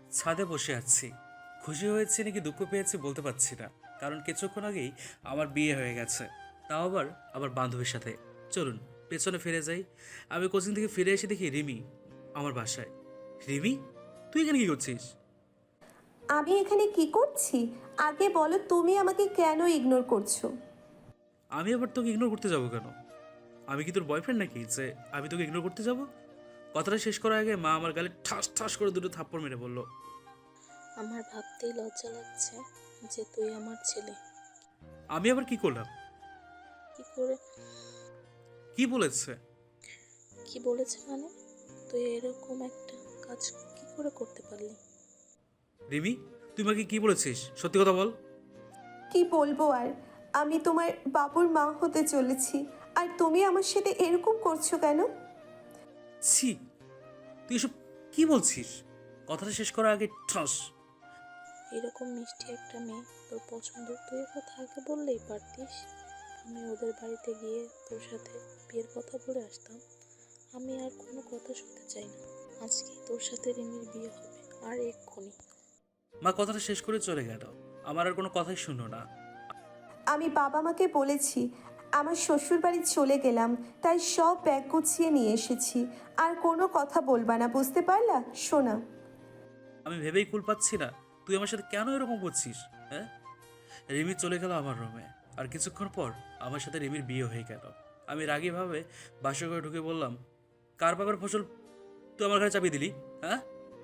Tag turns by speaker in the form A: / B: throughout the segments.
A: ছাদে বসে আছি। খুশি হয়েছি নাকি দুঃখ পেয়েছি বলতে পারছি না, কারণ কিছুক্ষণ আগেই আমার বিয়ে হয়ে গেছে, তাও আবার আমার বান্ধবীর সাথে। চলুন পেছনে ফিরে যাই। আমি কোচিং থেকে ফিরে এসে দেখি রিমি আমার বাসায়। রিমি, তুই এখানে কি করছিস?
B: আমি এখানে কি করছি? আগে বলো, তুমি আমাকে কেন ইগনোর করছো?
A: আমি আবার তোকে ইগনোর করতে যাবো কেন? আমি কি তোর বয়ফ্রেন্ড নাকি যে আমি তোকে ইগনোর করতে যাব? কথাটা শেষ করার আগে মা আমার গালে ঠাস ঠাস করে দুটো থাপ্পড় মেরে বলল,
C: আমার ভাবতেই লজ্জা লাগছে যে তুই আমার ছেলে।
A: আমি আবার কি করলাম?
C: কি করে?
A: কি বলেছে?
C: কি বলেছে মানে? তুই এরকম একটা কাজ কি করে করতে পারলি?
A: রিমি, তুই আমাকে কি বলেছিস? সত্যি কথা বল।
B: কি বলবো আর? আমি তোমার বাবুর মা হতে চলেছি, আর তুমি আমার সাথে এরকম করছো কেন?
A: ছি, তুই এসব কি বলছিস? কথাটা শেষ করার আগে ঠাস।
C: এরকম মিষ্টি একটা মেয়ে তোর পছন্দ, তুই এ কথা আগে বললেই পারতিস। আমি ওদের বাড়িতে গিয়ে তোর সাথে বিয়ের কথা বলে আসতাম। আমি আর কোনো কথা শুনতে চাই না। আজকেই তোর সাথে রিমির বিয়ে হবে, আর এক্ষুনি।
A: মা কথাটা শেষ করে চলে গেল। আমার আর কোনো কথাই শুনলো না।
B: আমি বাবা মাকে বলেছি আমার শ্বশুর বাড়ি চলে গেলাম, তাই সব ব্যাগ গুছিয়ে নিয়ে এসেছি। আর কোনো কথা বলবা না, বুঝতে পারলা সোনা?
A: আমি ভেবেই কুল পাচ্ছি না, তুই আমার সাথে কেন এরকম করছিস? হ্যাঁ। রিমি চলে গেল আমার রুমে। আর কিছুক্ষণ পর আমার সাথে রিমির বিয়ে হয়ে গেল। আমি রাগীভাবে বাসা করে ঢুকে বললাম, কার বাবার ফসল তুই আমার ঘরে চাপিয়ে দিলি? হ্যাঁ।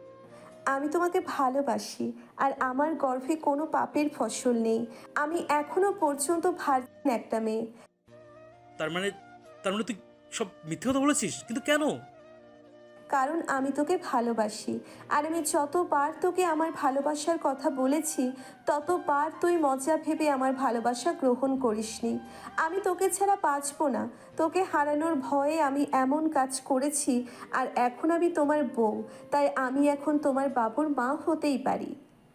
B: আমি তোমাকে ভালোবাসি, আর আমার গর্ভে কোনো পাপের ফসল নেই। আমি এখনো পর্যন্ত ভার্জিন একটা মেয়ে।
A: তার মানে তার মানে তুই সব মিথ্যে কথা বলেছিস, কিন্তু কেন?
B: কারণ আমি তোকে ভালোবাসি, আর আমি যতবার তোকে আমার ভালোবাসার কথা বলেছি ততবার তুই মজা ভেবে আমার ভালোবাসা গ্রহণ করিসনি। আমি তোকে ছাড়া বাঁচবো না। তোকে হারানোর ভয়ে আমি এমন কাজ করেছি, আর এখন আমি তোমার বউ, তাই আমি এখন তোমার বাবুর মা হতেই পারি।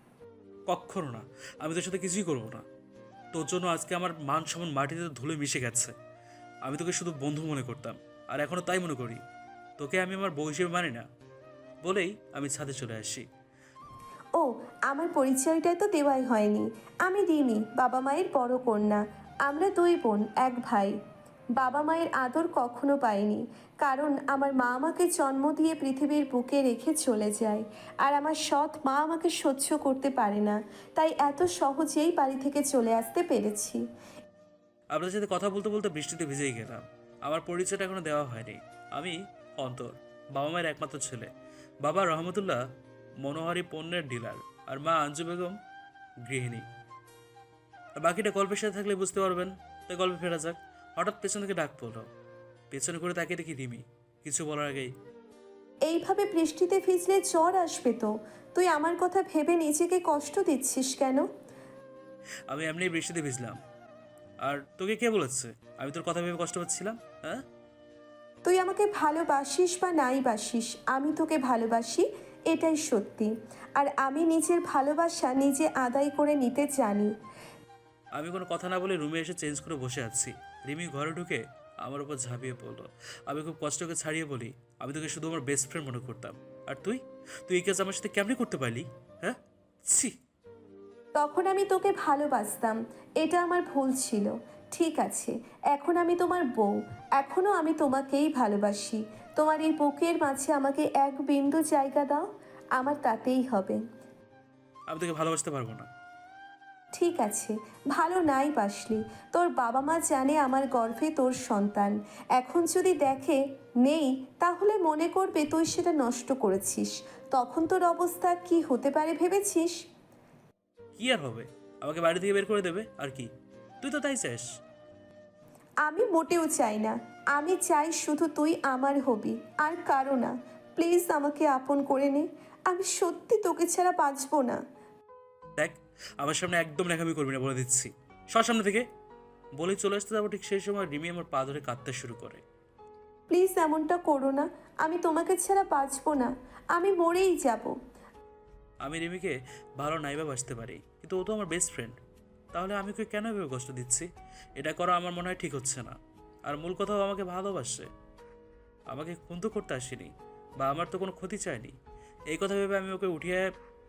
A: কক্ষনো না। আমি তোর সাথে কিছুই করবো না। তোর জন্য আজকে আমার মান সম্মান মাটিতে ধুলে মিশে গেছে। আমি তোকে শুধু বন্ধু মনে করতাম, আর এখনো তাই মনে করি। তোকে আমি আমার বউ হিসেবে মানি না বলেই আমি ছাদে চলে আসি।
B: ও, আমার পরিচয়টা তো দেওয়াই হয়নি। আমি রিমি, বাবা মায়ের বড় কন্যা। আমরা দুই বোন, এক ভাই। বাবা মায়ের আদর কখনো পাইনি, কারণ আমার মা আমাকে জন্ম দিয়ে পৃথিবীর বুকে রেখে চলে যায়। আর আমার সৎ মা আমাকে সহ্য করতে পারে না, তাই এত সহজেই বাড়ি থেকে চলে আসতে পেরেছি।
A: আপনাদের সাথে কথা বলতে বলতে বৃষ্টিতে ভিজেই গেলাম। আমার পরিচয়টা এখনো দেওয়া হয়নি। আমি অন্তর, বাবা মায়ের একমাত্র ছেলে। বাবা রহমতুল্লাহ মনোহারি পণ্যের ডিলার, আর মা আঞ্জু বেগম গৃহিণী। আর বাকিটা গল্পের সাথে থাকলে বুঝতে পারবেন। তাই গল্পে ফেরা যাক। হঠাৎ পেছন থেকে ডাক পড়লো। পেছনে করে তাকিয়ে দেখি রিমি। কিছু বলার আগেই,
B: এইভাবে বৃষ্টিতে ভিজলে জ্বর আসবে তো। তুই আমার কথা ভেবে নিজেকে কষ্ট দিচ্ছিস কেন?
A: আমি এমনি বৃষ্টিতে ভিজলাম। আর তোকে কে বলেছে আমি তোর কথা ভেবে কষ্ট পাচ্ছিলাম? হ্যাঁ।
B: তুই আমাকে ভালোবাসিস বা নাই বাসিস, আমি তোকে ভালোবাসি, এটাই সত্যি। আর আমি নিজের ভালোবাসা নিজে আদায় করে নিতে জানি।
A: আমি কোনো কথা না বলে রুমে এসে চেঞ্জ করে বসে আছি। রিমি ঘরে ঢুকে আমার উপর ঝাঁপিয়ে পড়লো। আমি খুব কষ্টকে ছাড়িয়ে বলি, আমি তোকে শুধু আমার বেস্ট ফ্রেন্ড মনে করতাম। আর তুই তুই এই কাজ আমার সাথে কেমনি করতে পারলি? হ্যাঁ। ছি।
B: তখন আমি তোকে ভালোবাসতাম, এটা আমার ভুল ছিল। ঠিক আছে, এখন আমি তোমার বউ, এখনও আমি তোমাকেই ভালোবাসি। তোমার এই বুকের মাঝে আমাকে এক বিন্দু জায়গা দাও, আমার তাতেই হবে।
A: আমি তোকে ভালোবাসতে পারবো না।
B: ঠিক আছে, ভালো নাই বাসলি, তোর বাবা মা জানে আমার গর্ভে তোর সন্তান। এখন যদি দেখে নেই, তাহলে মনে করবে তুই সেটা নষ্ট করেছিস। তখন তোর অবস্থা কি হতে পারে ভেবেছিস?
A: কি আর হবে? আমাকে বাড়ি থেকে বের করে দেবে আর কি? তুই তো তাই চাস।
B: আমি মোটেও চাই না। আমি চাই শুধু তুই আমার হবি, আর কারো না। প্লিজ আমাকে আপন করে নে। আমি সত্যি তোকে ছাড়া বাঁচবো না।
A: দেখ, আমার সামনে একদম ন্যাকামি করবি না বলে দিচ্ছি। সর সামনে থেকে। বলেই চলে আসতে যাবো, ঠিক সেই সময় রিমি আমার পা ধরে কাঁদতে শুরু করে।
B: প্লিজ এমনটা করো না। আমি তোমাকে ছাড়া বাঁচবো না। আমি মরেই যাব।
A: আমি রিমিকে ভালো নাইবা বাসতে পারি, কিন্তু ও তো আমার বেস্ট ফ্রেন্ড। তাহলে আমি ওকে কেন এভাবে কষ্ট দিচ্ছি? এটা করা আমার মনে হয় ঠিক হচ্ছে না। আর মূল কথাও আমাকে ভালোবাসে। আমাকে খুন তো করতে আসেনি, বা আমার তো কোনো ক্ষতি চায়নি। এই কথা ভেবে আমি ওকে উঠিয়ে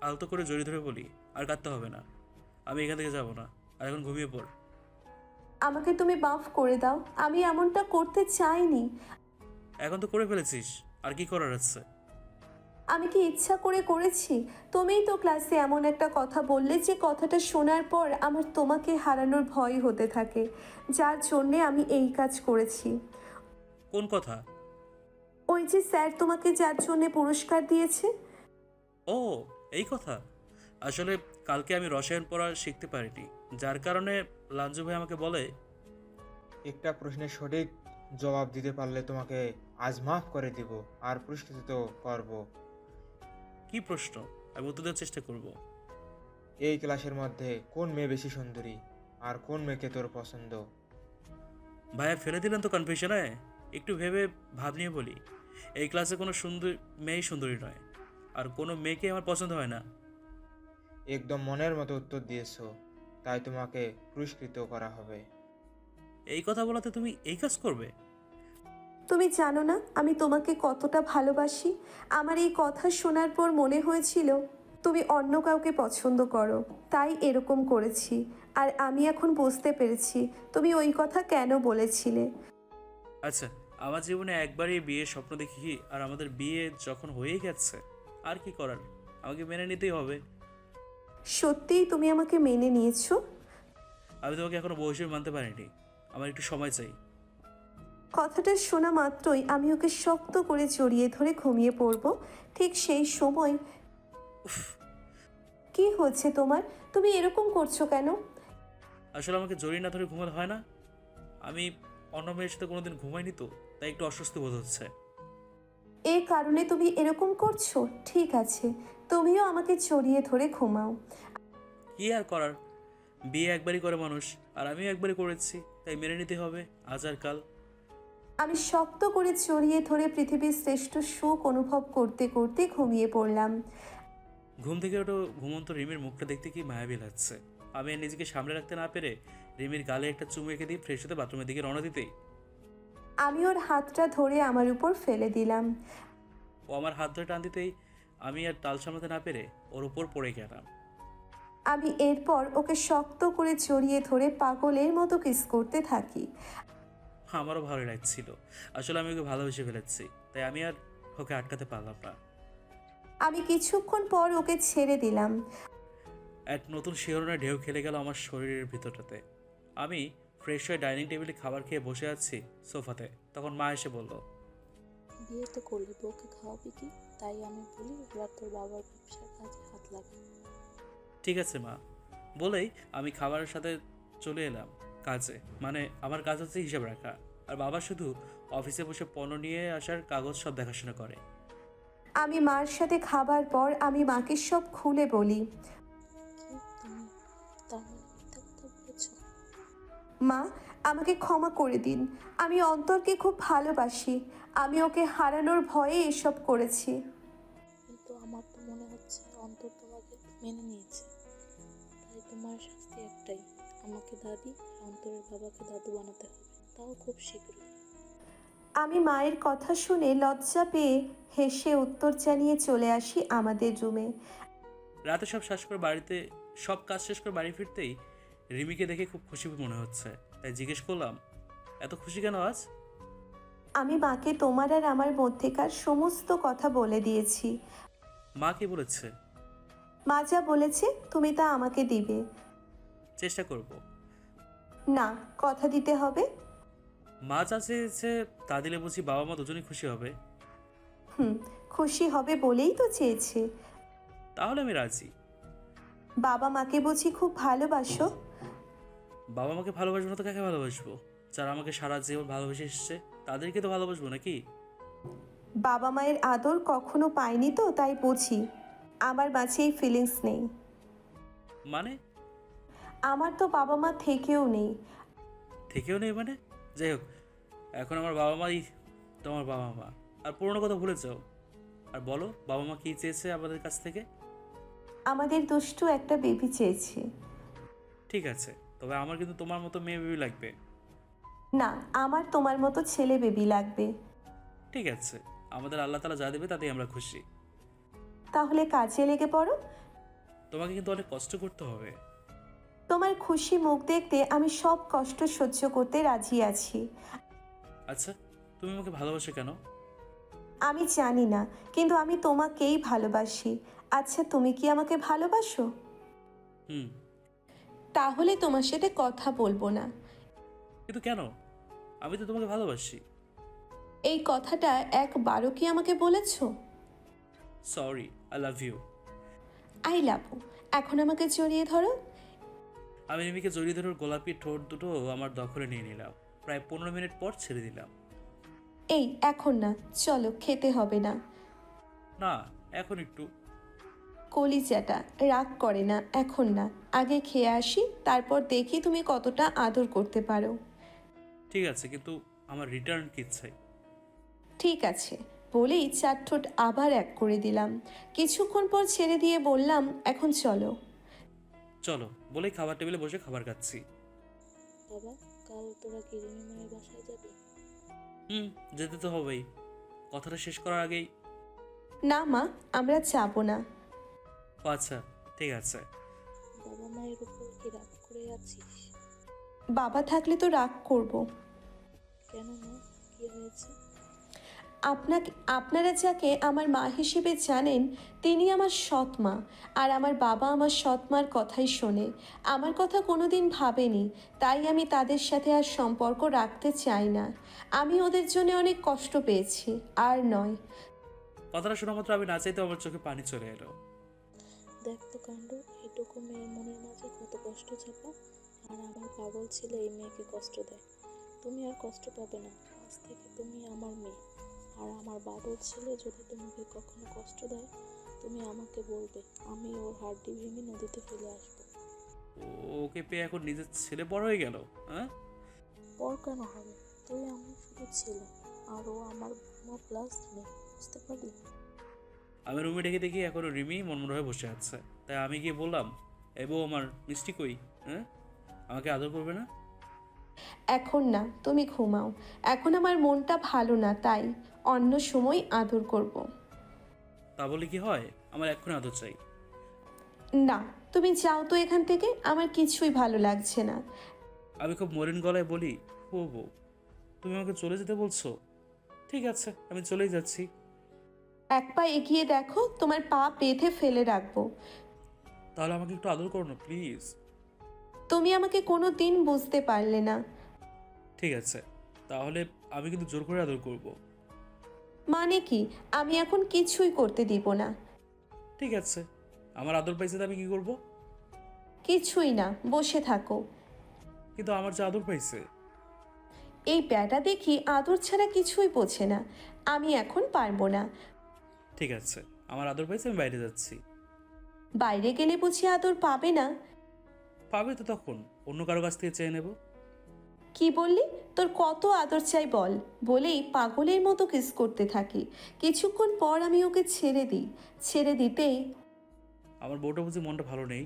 A: আলতো করে জড়িয়ে ধরে বলি, আর কাঁদতে হবে না, আমি এখান থেকে যাব না, আর এখন ঘুমিয়ে পড়।
B: আমাকে তুমি মাফ করে দাও, আমি এমনটা করতে চাইনি।
A: এখন তো করে ফেলেছিস, আর কি করার আছে?
B: আমি কি ইচ্ছা করে করেছি? তুমিই তো ক্লাসে এমন একটা কথা বললে যে কথাটা শোনার পর আমার তোমাকে হারানোর ভয় হতে থাকে, যার জন্যে আমি এই কাজ করেছি।
A: কোন কথা?
B: ওই যে স্যার তোমাকে যার জন্যে পুরস্কার দিয়েছে।
A: ও, এই কথা। আসলে কালকে আমি রসায়ন পড়া শিখতে পারিনি, যার কারণে লাঞ্জু ভাই আমাকে বলে,
D: একটা প্রশ্নের সঠিক জবাব দিতে পারলে তোমাকে আজ মাফ করে দিব আর পুরস্কৃত করব।
A: কি প্রশ্ন? আমি উত্তর দেওয়ার চেষ্টা করব।
D: এই ক্লাসের মধ্যে কোন মেয়ে বেশি সুন্দরী আর কোন মেয়েকে তোর পছন্দ?
A: ভাইয়া ফেলে দিলেন তো কনফিউশনে। একটু ভেবে ভাব নিয়ে বলি, এই ক্লাসে কোনো সুন্দর মেয়েই সুন্দরী নয়, আর কোনো মেয়েকে আমার পছন্দ হয় না।
D: একদম মনের মতো উত্তর দিয়েছো, তাই তোমাকে পুরস্কৃত করা হবে।
A: এই কথা বলাতে তুমি এই কাজ করবে?
B: তুমি জানো না আমি তোমাকে কতটা ভালোবাসি। আমার এই কথা শোনার পর মনে হয়েছিল তুমি অন্য কাউকে পছন্দ করো, তাই এরকম করেছি। আর আমি এখন বুঝতে পেরেছি তুমি ওই কথা কেন বলেছিলে।
A: আচ্ছা, আমার জীবনে একবারই বিয়ের স্বপ্ন দেখি, আর আমাদের বিয়ে যখন হয়েই গেছে, আর কি করার, আমাকে মেনে নিতেই হবে।
B: সত্যিই তুমি আমাকে মেনে নিয়েছো?
A: আমি তোমাকে এখনো বউ হিসেবে মানতে পারিনি, আমার একটু সময় চাই।
B: কথাটা শোনা মাত্রই আমি ওকে শক্ত করে জড়িয়ে ধরে ঘুমিয়ে পড়ব। ঠিক সেই সময় কি হচ্ছে তোমার? তুমি এরকম করছো কেন?
A: আসলে আমাকে জড়িয়ে না ধরে ঘুমাতে হয় না, আমি অন্য মেয়ের সাথে কোনোদিন ঘুমাইনি তো, তাই একটু অস্বস্তি বোধ হচ্ছে।
B: এ কারণে তুমি এরকম করছো? ঠিক আছে, তুমিও আমাকে জড়িয়ে ধরে ঘুমাও।
A: কি আর করার, বিয়ে একবারই করে মানুষ, আর আমিও একবারই করেছি, তাই মেনে নিতে হবে আজ আর কাল।
B: আমি শক্ত করে জড়িয়ে ধরে পৃথিবীর শ্রেষ্ঠ সুখ অনুভব করতে করতে ঘুমিয়ে পড়লাম।
A: ঘুম থেকে ওঠো, ঘুমন্ত রিমির মুখটা দেখতে কি মায়াবী লাগছে। আমি আর নিজেকে সামলে রাখতে না পেরে রিমির গালে একটা চুমু এঁকে দিয়ে ফ্রেশ হতে বাথরুমের দিকে রওনা দিতেই
B: আমি ওর হাতটা ধরে আমার উপর ফেলে দিলাম।
A: ও আমার হাত ধরে টান দিতেই আমি আর তাল সামলাতে না পেরে ওর উপর পড়ে গেলাম।
B: আমি এরপর ওকে শক্ত করে জড়িয়ে ধরে পাগলের মতো কিস করতে থাকি।
A: আমারও ভালো লাগছিল, আসলে আমি ওকে ভালোবেসে ফেলেছি, তাই আমি আর ওকে আটকাতে পারলাম না।
B: আমি কিছুক্ষণ পর ওকে ছেড়ে দিলাম।
A: এক নতুন শিহরণের ঢেউ খেলে গেল আমার শরীরের ভিতরটাতে। আমি ফ্রেশ হয়ে ডাইনিং টেবিলে খাবার খেয়ে বসে আছি সোফাতে, তখন মা এসে বলল,
C: বিয়ে তো করলি, বউকে খাওয়াবি কি? তাই আমি বলি এবার তোর বাবার ব্যবসার কাজে হাত লাগা।
A: ঠিক আছে মা, বলেই আমি খাবারের সাথে চলে এলাম কাজে। মানে আমার কাজ হচ্ছে হিসাব রাখা, আর বাবা শুধু অফিসে বসে পণ্য নিয়ে আসার কাগজ সব দেখাশোনা করে।
B: আমি মার সাথে খাবার পর আমি মাকে সব খুলে বলি।
C: কি তুমি তার মানে মিথ্যা কথা বলেছ?
B: মা, আমাকে ক্ষমা করে দিন। আমি অন্তরকে খুব ভালোবাসি। আমি ওকে হারানোর ভয়ে এসব করেছি।
C: কিন্তু আমার তো মনে হচ্ছে অন্তর তোমাকে মেনে নিয়েছে, তাই তোমার শাস্তি একটাই, আমাকে দাদি আর অন্তরের বাবাকে দাদু বানাতে হবে, তাও খুব শীঘ্রই।
B: আমি মায়ের কথা শুনে লজ্জা পেয়ে হেসে উত্তর জানিয়ে চলে আসি আমাদের রুমে।
A: রাতে সব কাজ শেষ করে বাড়ি ফিরতেই রিমিকে দেখে খুব খুশি মনে হচ্ছে, তাই জিজ্ঞেস করলাম, এত খুশি কেন আজ?
B: আমি মাকে তোমার আর আমার মধ্যেকার সমস্ত কথা বলে দিয়েছি।
A: মা কি বলেছে?
B: মা যা বলেছে তুমি তা আমাকে দিবে।
A: চেষ্টা করব।
B: না, কথা দিতে হবে।
A: মা যা চেয়েছে তা দিলে বুঝি বাবা মা দুজনেই খুশি হবে?
B: খুশি হবে বলেই তো চেয়েছে।
A: তাহলে আমি রাজি।
B: বাবা মাকে বুঝি খুব ভালোবাসো?
A: বাবা মাকে ভালোবাসবো না তো কাকে ভালোবাসবো? যারা আমাকে সারা জীবন ভালোবেসে এসছে তাদেরকে তো ভালোবাসবো নাকি?
B: বাবা মায়ের আদর কখনো পাইনি তো তাই বুঝি। আমার মাঝে এই ফিলিংস নেই।
A: মানে?
B: আমার তো বাবা মা থেকেও নেই।
A: থেকেও নেই মানে? যাই হোক, এখন আমার বাবা মাই তোমার বাবা মা, আর পুরোনো কথা ভুলে যাও। আর বলো, বাবা মা কী চেয়েছে আমাদের কাছ থেকে?
B: আমাদের দুষ্টু একটা বেবি চেয়েছে।
A: ঠিক আছে, তবে আমার কিন্তু তোমার মতো মেয়ে বেবি লাগবে।
B: না, আমার তোমার মতো ছেলে বেবি লাগবে।
A: ঠিক আছে, আমাদের আল্লাহ তাআলা যা দেবে তাতেই আমরা খুশি।
B: তাহলে কাজে লেগে পড়ো।
A: তোমাকে কিন্তু অনেক কষ্ট করতে হবে।
B: তোমার খুশি মুখ দেখতে আমি সব কষ্ট সহ্য করতে রাজি আছি।
A: আচ্ছা, তুমি আমাকে ভালোবাসো কেন?
B: আমি জানি না, কিন্তু আমি তোমাকেই ভালোবাসি। আচ্ছা, তুমি কি আমাকে ভালোবাসো?
A: হুম।
B: তাহলে তোমার সাথে কথা বলবো না।
A: কিন্তু কেন? আমি তো তোমাকে ভালোবাসি।
B: এই কথাটা একবারও কি আমাকে বলেছো?
A: Sorry, I love you.
B: I love you. এখন আমাকে জড়িয়ে ধরো।
A: আমি রিমিকে জড়িয়ে ধরে ওর গোলাপি ঠোঁট দুটো আমার দখলে নিয়ে নিলাম। প্রায় 15 মিনিট পর ছেড়ে দিলাম।
B: এই এখন না, চলো, খেতে হবে না।
A: না, এখন একটু।
B: কলিজাটা রাগ করে না, এখন না, আগে খেয়ে আসি, তারপর দেখি তুমি কতটা আদর করতে পারো।
A: ঠিক আছে, কিন্তু আমার রিটার্ন কি চাই?
B: ঠিক আছে বলেই চার ঠোঁট আবার এক করে দিলাম। কিছুক্ষণ পর ছেড়ে দিয়ে বললাম, এখন চলো।
A: চলো বলেই খাবার টেবিলে বসে খাবার খাচ্ছি।
C: বাবা, কাল তোরা কি রিমি মায়ের বাসায় যাবি?
A: হুম, যেতে তো হবেই। কথাটা শেষ করার আগেই।
B: না মা, আমরা যাবো না।
A: ও আচ্ছা, ঠিক আছে।
C: বাবা মায়ের উপর কি রাগ করে আছিস?
B: বাবা থাকলে তো রাগ করব।
C: কেন মা, কি হয়েছে?
B: আপনারা যাকে আমার মা হিসেবে জানেন, তিনি আমার সৎ মা। আর আমার বাবা আমার সৎ মার কথাই শোনে, আমার কথা কোনোদিন ভাবেনি। তাই আমি তাদের সাথে আর সম্পর্ক রাখতে চাই না। আমি ওদের জন্য অনেক কষ্ট পেয়েছি, আর নয়।
A: কথাটা শোনা মাত্র আমি না চাইতেও আমার চোখে পানি চলে এলো।
C: দেখ তো কাণ্ড, এইটুকু মেয়ের মনের মাঝে কত কষ্ট চাপা। আর আমার পাগল ছেলে এই মেয়েকে কষ্ট দেয়। তুমি আর কষ্ট পাবে না, আজ থেকে তুমি আমার মেয়ে। আর আমার বাবুর ছেলে যদি তোমাকে কখনো কষ্ট দেয়, তুমি আমাকে বলবে, আমি ওর হাড্ডি ভেঙে নদীতে ফেলে আসবো।
A: ওকে পেয়ে এখন নিজের ছেলে বড় হয়ে গেল, হ্যাঁ?
C: পর কেন হবে? তুই আমার শুধু ছেলে, আর ও আমার প্লাস মেয়ে, বুঝতে পারলি?
A: আমি রুমে ডেকে দেখি এখনো রিমি মনমন হয়ে বসে আছে। তাই আমি গিয়ে বললাম, এবো আমার মিষ্টি কই? হ্যাঁ, আমাকে আদর করবে না?
B: এখন না, তুমি ঘুমাও। এখন আমার মনটা ভালো না, তাই অন্য সময় আদর করব।
A: তা বলে কি হয়? আমার এক্ষুনি আদর চাই।
B: না, তুমি যাও তো এখান থেকে, আমার কিছুই ভালো লাগছে না।
A: আমি খুব মলিন গলায় বলি, ও বউ, তুমি আমাকে চলে যেতে বলছো? ঠিক আছে, আমি চলেই যাচ্ছি।
B: এক পা এগিয়ে দেখো, তোমার পা বেঁধে ফেলে রাখবো।
A: তাহলে আমাকে একটু আদর করো না প্লিজ।
B: তুমি আমাকে কোনো দিন বুঝতে পারলে না।
A: ঠিক আছে, তাহলে আমি কিন্তু জোর করে আদর করব।
B: মানে কি? আমি এখন কিছুই করতে দিব না।
A: ঠিক আছে, আমার আদর পাইছে তো আমি কি করব?
B: কিছুই না, বসে থাকো।
A: কিন্তু আমার যে আদর পাইছে।
B: এই ব্যাটা দেখি আদর ছাড়া কিছুই বোঝে না। আমি এখন পারবো না।
A: ঠিক আছে, আমার আদর পাইছে, আমি বাইরে যাচ্ছি।
B: বাইরে গেলে বুঝি আদর পাবে না?
A: পাবে তো, তখন অন্য কারো কাছ থেকে চেয়ে নেব।
B: কি বললি? তোর কত আদর চাই বল। বলেই পাগলের মতো কিস করতে থাকি। কিছুক্ষণ পর আমি ওকে ছেড়ে দিই। ছেড়ে দিতেই
A: আমার বউটা বুঝি মনটা ভালো নেই।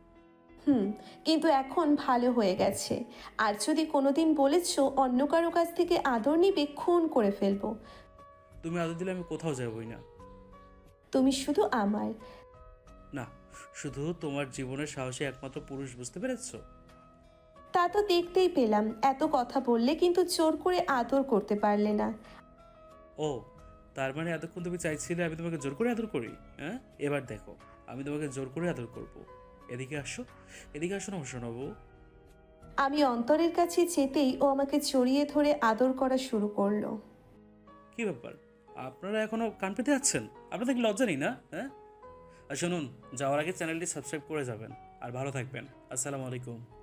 B: কিন্তু এখন ভালো হয়ে গেছে। আর যদি কোনোদিন বলেছো অন্য কারো কাছ থেকে আদর নিবে, খুন করে ফেলবো।
A: তুমি আদর দিলে আমি কোথাও যাবই না।
B: তুমি শুধু আমার।
A: না, শুধু তোমার জীবনের সাহসী একমাত্র পুরুষ, বুঝতে পেরেছো?
B: তা তো দেখতেই পেলাম, এত কথা বললে কিন্তু জোর করে আদর করতে পারলে না।
A: ও, তার মানে এতক্ষণ তুমি চাইছিলে আমি তোমাকে জোর করে আদর করি? হ্যাঁ, এবার দেখো, আমি তোমাকে জোর করে আদর করব। এদিকে আসো, এদিকে আসো না শোনাবো।
B: আমি অন্তরের কাছে যেতেই ও আমাকে জড়িয়ে ধরে আদর করা শুরু করলো।
A: কি ব্যাপার, আপনারা এখনো কান পেতে যাচ্ছেন? আপনাদের কি লজ্জা নেই না? হ্যাঁ, আর শুনুন, যাওয়ার আগে চ্যানেলটি সাবস্ক্রাইব করে যাবেন। আর ভালো থাকবেন। আসসালামু আলাইকুম।